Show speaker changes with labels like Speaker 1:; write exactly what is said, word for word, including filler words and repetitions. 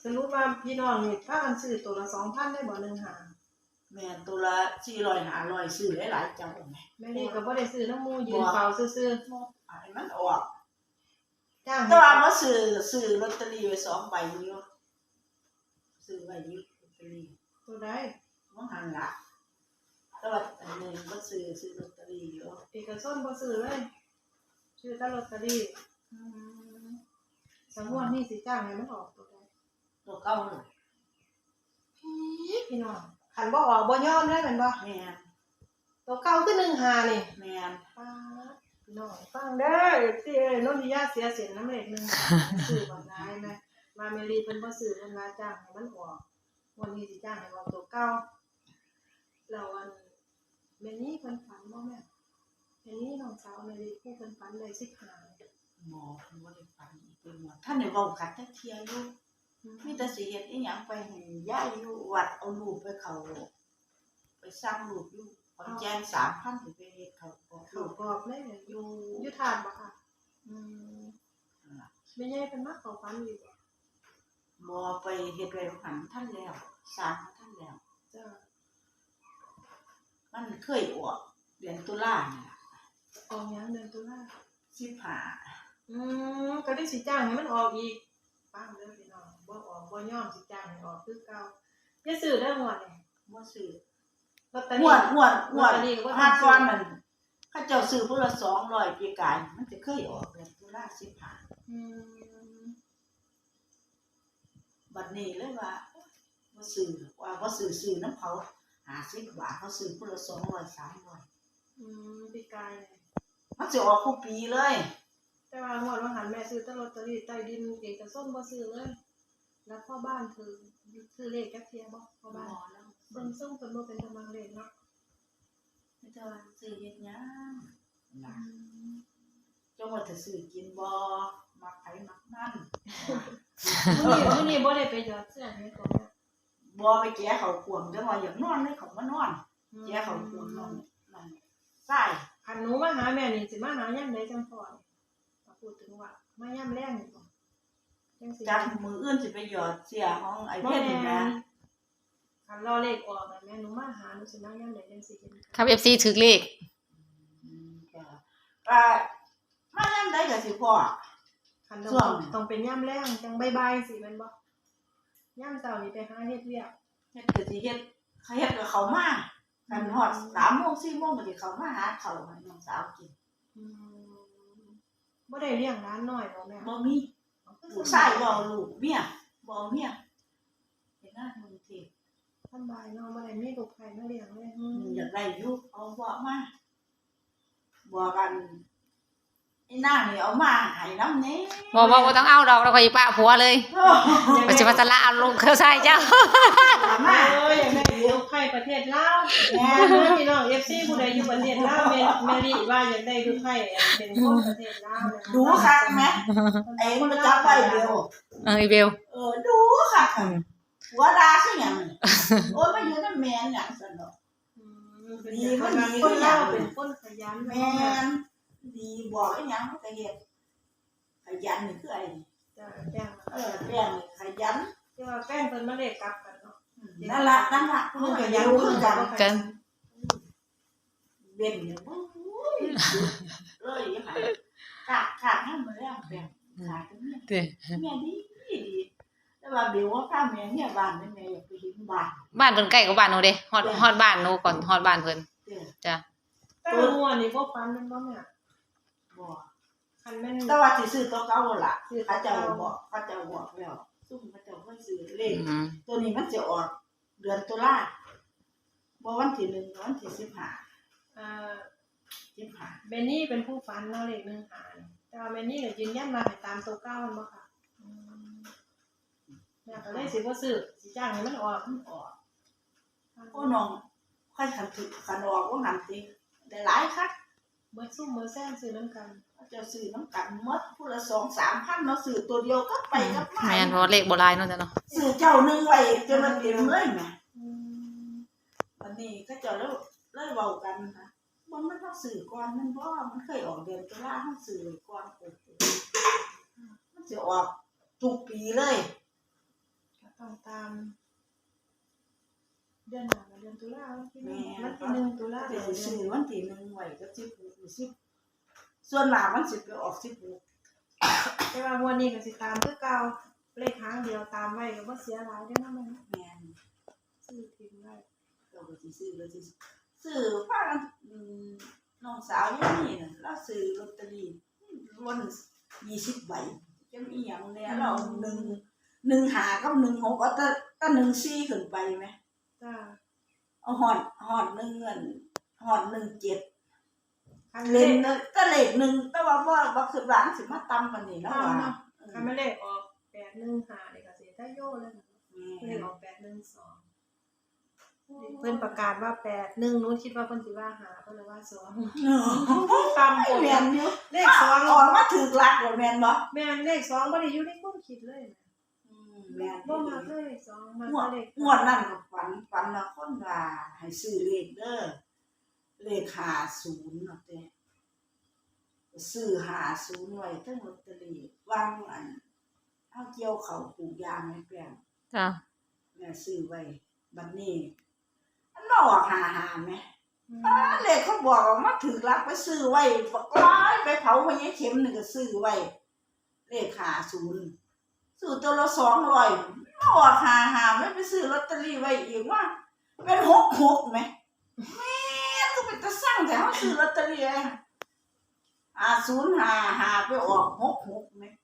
Speaker 1: สรุปว่าพี่น้องนี่พากันซื้อตัวละสองพันได้บ่หนึ่งหา
Speaker 2: แม่ตัวละสี่ร้อยห้าร้อยซื้อหลายๆเจ้าแม่
Speaker 1: แม่นี่ก็บ่ได้ซื้อน้ำมูยืนเฝ้าซื่อ
Speaker 2: ๆให้มันออก
Speaker 1: ๆจ้าง
Speaker 2: แต่ว่าบ่ซื้อซื้อลอตเตอรี่ไว้สองใบอยู่ซื้อไว้อยู่ลอตเตอรี่
Speaker 1: ตัวใด
Speaker 2: บ่หันล่ะแต่ว่าอันนี้บ่ซื้อซื้อลอตเตอรี่อยู่
Speaker 1: เอกชนบ่ซื้อเลยซื้อแต่ลอตเตอรี่อืมสมมุตินี่สิจ้างให้มันออกตัวใด
Speaker 2: ตัวเก่าน่ะ
Speaker 1: พี่น้องคันบ่ออกบ่ยอมได้แม่นบ่
Speaker 2: แม่น
Speaker 1: ตัวเก่าคือหนึ่งหานี่
Speaker 2: แม่น
Speaker 1: ป๊าดพี่น้องฟังเด้อสิเอ้ยโนนทิยาเสียเสียนน้ำเลขหนึ่งซื้อบ่ได้แม่มาเมรีเพิ่นบ่ซื้อเพิ่นว่าจ้างให้มันออกวันนี้สิจ้างให้ออกตัวเก่าแล้วอันแม่นี่เพิ่นฝันบ่แม่แม่นี่น้องสาวแม่รีผู้เพิ่นฝันได้สิบห้า
Speaker 2: หมอเพิ่นบ่ได้ฝันอีกเป็นหมอท่านได้เว้ากันจักเที่ยอยู่มีแต่สิเฮ็ดอีหยังไปให้ยายอยู่วัดเอาลูกไปเข้าไปสร้างลูกอยู่ขอนแก่น สามพัน สิไปเฮ็ดเขาบอก
Speaker 1: เขาบอกเลยอยู่อยู่ทานบ่ค่ะอืมแม่ใหญ่เพิ่นมาเข้าฝันอยู่บ่
Speaker 2: บ่ไปเฮ็ดไว้หันท่านแล้วสร้างท่านแล้ว
Speaker 1: จ้า
Speaker 2: มันเคยออกเดือนตุลานี่ล่ะ
Speaker 1: ออกหยังเดือนตุลา
Speaker 2: สิบห้า
Speaker 1: อืมก็ได้สิจ้างให้มันออกอีกฟังเด้อพี่น้องบ่ออกบ่ยอมสิจ้างให้ออกคือเก่าอย่าซื้อเด้อหมดนี่
Speaker 2: บ่ซื้อ
Speaker 1: ลอตเตอ
Speaker 2: ง
Speaker 1: รี่
Speaker 2: วดงวดงวดห้าก้อนนั่นเขาเจ้าซื้อพุ่นละสองร้อยปีกายมันจะเคยออกเดือนตุลาสิบห้า
Speaker 1: อืม
Speaker 2: บัดนี้เลยว่าบ่ซื้อว่าบ่ซื้อซื้อนำเขาห้าสิบบาทเขาซื้อพุ่นละสองร้อย สามร้อย
Speaker 1: อืมปีกาย
Speaker 2: มันสิออกทุกปีเลย
Speaker 1: แต่ว่างวดว่าหันแม่ซื้อแต่ลอตเตอรี่ใต้ดินเอกชนบ่ซื้อเลยแล้วพ่อบ้านคือซื้อเลขจักเที่ยบ่พ่อบ้านเบิ่งส่งเพิ่นบ่เป็นกำลังเลขเนาะ
Speaker 2: ไม่เจ้าซื้อเฮ็ดหยังนะจังว่าจะซื้อกินบ่มักไผมักมัน
Speaker 1: มื้อนี้มื้อนี้บ่ได้ไปหยอดเสื้อให้ก่อน
Speaker 2: บ่ไปแก้เขาขวมจังว่าอยากนอนเลยเขามานอนแก้เขาขวมนอนนั่นใช่
Speaker 1: คันหนูมาหาแม่นี่สิมาหายามใดจังพอพูดถึงว่ามายามแลงนี่บ่
Speaker 2: จังสิจักมื้ออื่นสิไปหยอดเสียของไอ้เพชรนี่นะ
Speaker 1: คันรอเลขออกแม่หนูมาหาหนูสิมายามใดจังสิเห็น
Speaker 3: ครับ เอฟ ซี ถึกเลข
Speaker 2: อืมก็อ่ามายามใดก็สิพอ
Speaker 1: คันต้องต้องเป็นยามแลงจังบ่ายๆสิแม่นบ่ยามเช้านี่ไปหาเฮ็ดเวียก
Speaker 2: เฮ็ดก็สิเฮ็ดเขาเฮ็ดก็เข้ามาคันฮอด สามโมง สี่โมงก็สิเข้ามาหาข้าวให้น้องสาวกิน
Speaker 1: อืมบ่ได้เลี้ยงหลานน้อยบ่แม่
Speaker 2: บ่มีลูกชายบ่ลูกเมียบ่เมียเฮ็ดงานกรุงเทพ
Speaker 1: สบายเนาะบ่ได้มีลูกไผมาเลี้ยงเลย
Speaker 2: อืมอยากได้อยู่เอาบ่มาบ่กันไอ้นางนี่เอามาให้นำแน่
Speaker 3: บ่บ่บ่ต้องเอาดอกเราก็อยู่ป้าผัวเลยบ่สิว่าสละเอาลงเขาใส่เจ้า
Speaker 1: มาเอ้ยอยากได้ลูกไผประเทศลาวแม่เด้อพี่น้อง เอฟ ซี ผู้ใดอยู่ประเทศลาวแม่แม่ลิว่าอยากได้ลูกไผเป็นคนประเทศลาวนะ
Speaker 2: ดูคักแม่ไอ้มันจับไว้เดียว
Speaker 3: เอออีเบล
Speaker 2: เออดูคักหัวดาคือหยังโอ้ยมาอยู่นำแม่นหยังซั่นดอก
Speaker 1: อืมดีมันดีคนลาวเป็นคนขยัน
Speaker 2: แม่นดีบอกอีหยังมันก็เฮ็ดขยันนี่คือไอ้
Speaker 1: จ้ะแป้ง
Speaker 2: เออแป้งนี่ขยัน
Speaker 1: แต่ว่าแป้งเพิ่นมาได้กลับกันเนาะ
Speaker 2: นั่นล่ะนั่นล่ะมันขยันคือกัน
Speaker 3: กัน
Speaker 2: เว้นเนี่ยโอ้ยเลยอยู่หั่นกากกากให้มันแล้วแป้งขายตรงนี้
Speaker 3: ติ
Speaker 2: แม่ดีดีแต่ว่าเดี๋ยวว่าพาแม่เนี่ยบ้านแม่อยากไปเห็นบ้าน
Speaker 3: บ้านเพิ่นใกล้กับบ้านหนูเด้ฮอดฮอดบ้านหนูก่อนฮอดบ้านเพิ่นจ้ะ
Speaker 1: แต่หัวนี่บ่ฟันมันบ่แม่
Speaker 2: บ่
Speaker 1: คันแม่น
Speaker 2: แต่ว่าสิซื้อตัวเก่าล่ะเขาเจ้าบอกเขาเจ้าบอกแล้วซุ่มเขาเจ้าบ่ซื้อเลขตัวนี้มันสิออกเดือนตุลาบ่วันที่หนึ่งวันที่สิบห้า
Speaker 1: เอ่อ
Speaker 2: สิบห้า
Speaker 1: แม่นี่เป็นผู้ฝันเนาะเลขหนึ่งหาแต่ว่าแม่นี่ก็ยืนยันว่าให้ตามตัวเก่ามันบ่ค่ะอืมแม่ก็เลยสิบ่ซื้อสิจ้างให้มันออกมันออก
Speaker 2: โอ้น้องค่อยคันถึกคันออกว่าหันสิได้หลายคัก
Speaker 1: เบิดซุ่มเบิดแซงซื้อนํกัน
Speaker 2: เจ้าซื้อน้ำกันหมดผู้ละ สองถึงสามพัน เนาะซื้อตัวเดียวก็ไปกับมา
Speaker 3: แม่นเพราะเลขบ่หลายเนาะจ้ะเนาะ
Speaker 2: ซื้อเจ้านึงไว้จนมันเต็มเลยแม่อืมวันนี้ก็เจ้าแล้วเลยเว้ากันค่ะบ่มันต้องซื้อก่อนมันบ่มันเคยออกเดือนตุลาเฮาซื้อไว้ก่อนมันสิออกทุกปีเลย
Speaker 1: ต้องตาม เดือนหน้าเดือนตุลาวันที่หนึ่งวันที่หนึ่งตุลา
Speaker 2: เดี๋
Speaker 1: เดื
Speaker 2: ย
Speaker 1: อ
Speaker 2: วน สิซื้อวันที่หนึ่งไว้ก็สิบหกหรือสิบส่วนมากมันสิไปออกสิบหก
Speaker 1: แต่ว่างวดนี้ก็สิตามคือเก่าเลขหางเดียวตามไว้ก็บ่เสียหลายเด้อนะมัน
Speaker 2: แม่น
Speaker 1: ซื้อทิ้งไว้
Speaker 2: เราก็สิซื้อเราสิซื้อพากันอืมน้องสาวอยู่นี่น่ะเราซื้อลอตเตอรี่ล้วนยี่สิบใบจังอีหยังแน่เราหนึ่งหนึ่งหากับหนึ่งหกเอาแต่แต่หนึ่งสี่ขึ้นไปไหม
Speaker 1: จ้า
Speaker 2: เอาหอดหอดหนึ่งเงินหอดหนึ่งเจ็ด
Speaker 1: คัน
Speaker 2: เล
Speaker 1: เล
Speaker 2: น
Speaker 1: ข
Speaker 2: ก็เลขหนึ่งแต่ว่าว่าว่าคือร้านสิมาตำกันนี่แล้วว่า
Speaker 1: คันไม่เลขออกแปดหนึ่งห้านี่ก็สิได้โยเลยนะเลขออกแปดหนึ่งสองเพิ่นประกาศว่าแปดหนึ่งนู้นคิดว่าเพิ่นสิว่าหาเพิ่นเลยว่าสองตาม
Speaker 2: ไม่
Speaker 1: ผม
Speaker 2: แม่นอยู่
Speaker 1: เลขสอง
Speaker 2: ออกมาถึกหลักแล้วแม่นบ่
Speaker 1: แม่นเลขสองบ่ได้อยู่ในความคิดเลย
Speaker 2: อืมแม่น
Speaker 1: บ่มาเลยเลขสองมาง
Speaker 2: วด
Speaker 1: เลข
Speaker 2: งวดนั้นก็ฝันฝันว่าคนว่าให้ซื้อเลขเด้อเลขห้าสิบเนาะเต้ซื้อห้าสิบไว้ทั้งลอตเตอรี่วางอันเฮาเกี่ยวเขาวปลูกยางให้แปลง
Speaker 3: จ้ะ
Speaker 2: แม่ซื้อไว้บัดนี้อันมาออกหาหาไหมอ่าเลขเขาบอกว่ามาถือรักไปซื้อไว้บักร้ายไปเผาพญาเข็มนี่ก็ซื้อไว้เลขหาศูนย์ซื้อตัวละสองร้อยมาออกหาหาไม่ไปซื้อลอตเตอรี่ไว้อีกว่าเป็นหกหกไหมแม่ก็เป็นตะสั่งแต่เขาซื้อลอตเตอรี่ไอ้หาศูนย์หาหาไปออกหกหกไหม